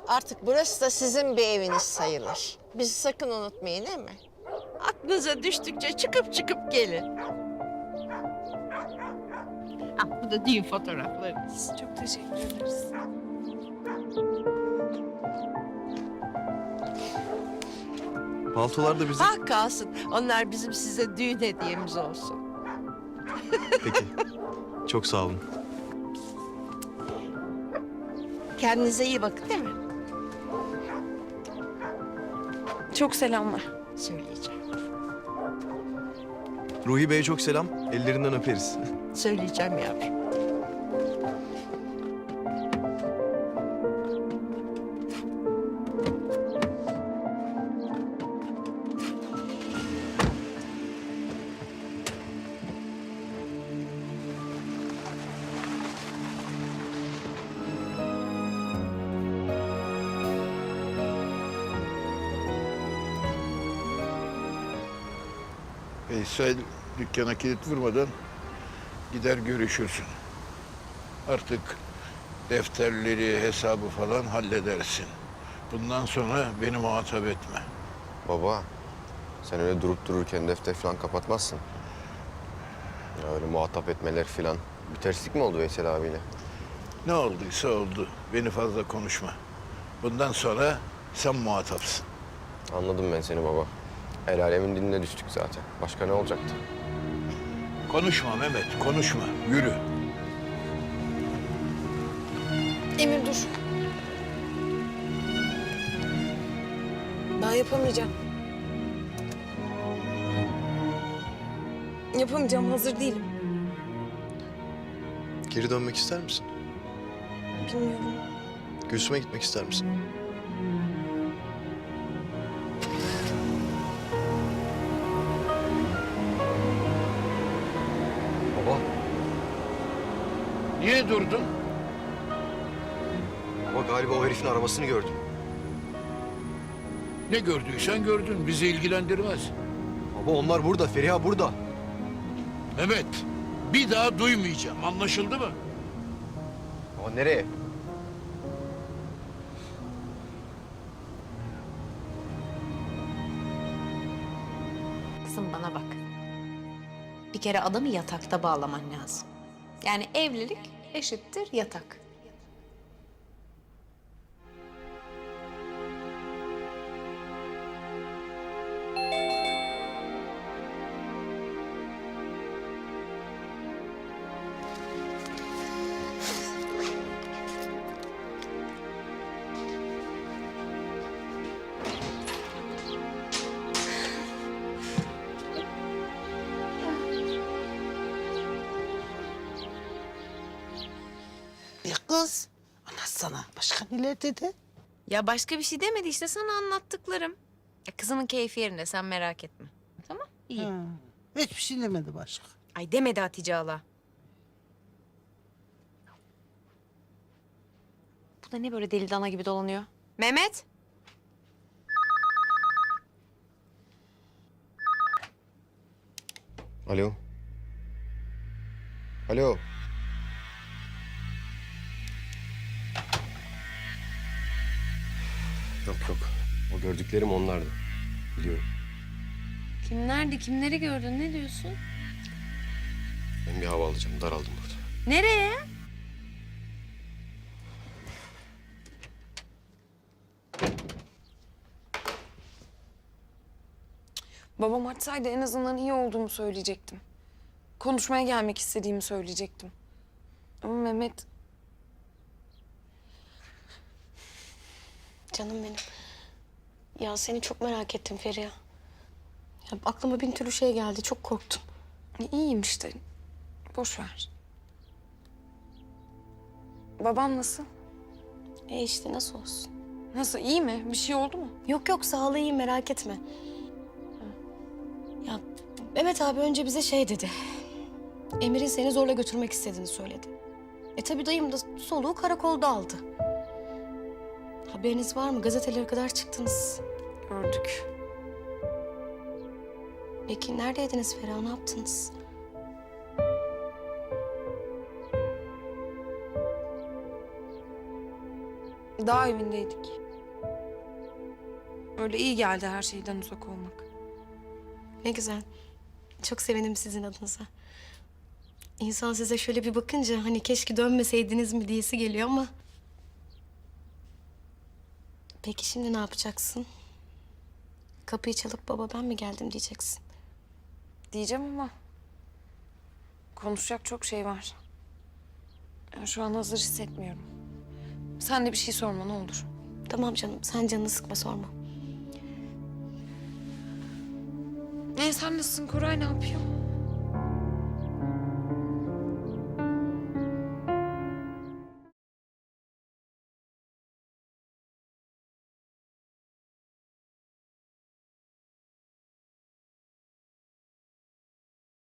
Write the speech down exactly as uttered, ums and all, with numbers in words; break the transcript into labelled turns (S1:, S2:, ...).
S1: Artık burası da sizin bir eviniz sayılır. Bizi sakın unutmayın, değil mi? Aklınıza düştükçe çıkıp çıkıp gelin. Ah, bu da düğün fotoğraflarınız.
S2: Çok teşekkür ederiz.
S3: Paltolar da bizim.
S1: Ah kalsın. Onlar bizim size düğün hediyemiz olsun.
S3: Peki. Çok sağ olun.
S1: Kendinize iyi bakın, değil mi?
S2: Çok selamlar.
S1: Söyleyeceğim.
S3: Ruhi Bey'e çok selam. Ellerinden öperiz.
S1: Söyleyeceğim yavrum.
S4: Veysel dükkana kilit vurmadan gider görüşürsün. Artık defterleri, hesabı falan halledersin. Bundan sonra beni muhatap etme.
S5: Baba, sen öyle durup dururken defter falan kapatmazsın. Ya öyle muhatap etmeler falan. Bir terslik mi oldu Veysel abiyle?
S4: Ne olduysa oldu. Beni fazla konuşma. Bundan sonra sen muhatapsın.
S5: Anladım ben seni baba. El alemin diline düştük zaten. Başka ne olacaktı?
S4: Konuşma Mehmet, konuşma. Yürü.
S2: Emir dur. Ben yapamayacağım. Yapamayacağım, hazır değilim.
S3: Geri dönmek ister misin?
S2: Bilmiyorum.
S3: Gülsüm'e gitmek ister misin?
S5: Baba.
S4: Niye durdun?
S5: Baba galiba o herifin arabasını gördüm.
S4: Ne gördüysen gördün. Bizi ilgilendirmez.
S5: Baba onlar burada, Feriha burada.
S4: Mehmet, bir daha duymayacağım. Anlaşıldı mı?
S5: Baba nereye?
S6: Kızım bana bak. Bir kere adamı yatakta bağlaman lazım. Yani evlilik eşittir yatak.
S7: Bir kız. Anlatsana. Başka neler dedi?
S8: Ya başka bir şey demedi işte sana anlattıklarım. Ya kızımın keyfi yerinde sen merak etme. Tamam iyi.
S7: Ha, hiçbir şey demedi başka.
S8: Ay demedi Hatice hala.
S6: Bu da ne böyle deli dana gibi dolanıyor?
S8: Mehmet.
S5: Alo. Alo. Yok yok. O gördüklerim onlardı. Biliyorum.
S8: Kimlerdi kimleri gördün ne diyorsun?
S5: Ben bir hava alacağım. Daraldım burada.
S8: Nereye?
S2: Babam açsaydı en azından iyi olduğumu söyleyecektim. Konuşmaya gelmek istediğimi söyleyecektim. Ama Mehmet...
S9: Canım benim. Ya seni çok merak ettim Feriha. Ya aklıma bin türlü şey geldi. Çok korktum.
S2: iyiyim işte. Boş ver. Babam nasıl?
S9: E işte nasıl olsun?
S2: Nasıl, iyi mi? Bir şey oldu mu?
S9: Yok yok sağlığı iyi merak etme. Ya Mehmet abi önce bize şey dedi. Emir'in seni zorla götürmek istediğini söyledi. E tabii dayım da soluğu karakolda aldı. Haberiniz var mı? Gazetelere kadar çıktınız.
S2: Gördük.
S9: Peki neredeydiniz Feriha? Ne yaptınız?
S2: Dağ evindeydik. Öyle iyi geldi her şeyden uzak olmak.
S9: Ne güzel. Çok sevindim sizin adınıza. İnsan size şöyle bir bakınca hani keşke dönmeseydiniz mi diyesi geliyor ama... Peki şimdi ne yapacaksın? Kapıyı çalıp baba ben mi geldim diyeceksin.
S2: Diyeceğim ama konuşacak çok şey var. Yani şu an hazır hissetmiyorum. Sen de bir şey sorma ne olur.
S9: Tamam canım, sen canını sıkma, sorma.
S2: Ne sen nasılsın? Koray ne yapıyor?